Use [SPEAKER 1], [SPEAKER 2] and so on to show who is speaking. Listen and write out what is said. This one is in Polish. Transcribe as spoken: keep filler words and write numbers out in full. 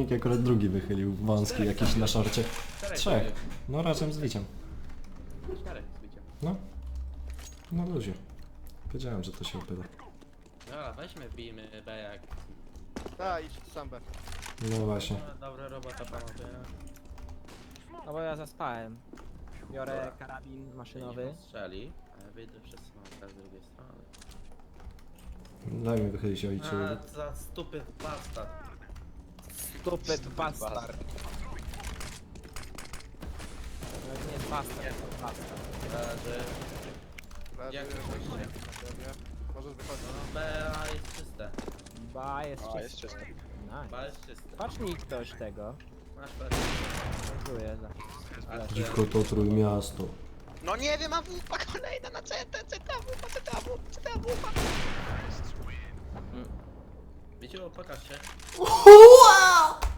[SPEAKER 1] Dominik akurat drugi wychylił, wąski jakiś na szorcie.
[SPEAKER 2] Czterech
[SPEAKER 1] Trzech.
[SPEAKER 2] zrobił.
[SPEAKER 1] No razem z Wiciem.
[SPEAKER 2] Czterech z biciem.
[SPEAKER 1] No. Na luzie. Wiedziałem, że to się opyla.
[SPEAKER 2] Dobra, weźmy, bijmy B jak...
[SPEAKER 3] Da, idź sam B.
[SPEAKER 1] No właśnie.
[SPEAKER 2] No, dobra robota panowie.
[SPEAKER 4] No bo ja zaspałem. Biorę
[SPEAKER 2] Dobra.
[SPEAKER 4] karabin maszynowy.
[SPEAKER 2] Maszynowy. Strzeli, a ja wyjdę przez smoka z drugiej strony.
[SPEAKER 1] Daj mi wychylić ojcu.
[SPEAKER 2] A, za stupy bastard.
[SPEAKER 4] Stupid bastard. To nie jest bastard, to bastard.
[SPEAKER 2] Leży.
[SPEAKER 3] Leży,
[SPEAKER 2] Jak
[SPEAKER 3] leży,
[SPEAKER 2] wyjście?
[SPEAKER 3] leży. Możesz wychodzić.
[SPEAKER 2] No, B A jest czyste.
[SPEAKER 4] Ba jest
[SPEAKER 5] A,
[SPEAKER 4] czysto.
[SPEAKER 5] jest czysto.
[SPEAKER 2] B
[SPEAKER 4] Nice.
[SPEAKER 2] jest czyste.
[SPEAKER 4] Patrz mi ktoś tego.
[SPEAKER 2] Masz B.
[SPEAKER 4] Dziękuję za
[SPEAKER 2] A ty-
[SPEAKER 1] Dziwko to trójmiasto.
[SPEAKER 5] No nie wiem, a wupa kolejna na C T, C T, wupa, C T, wupa, C T, wupa.
[SPEAKER 2] Wiecie, pokaż się.
[SPEAKER 1] Wow!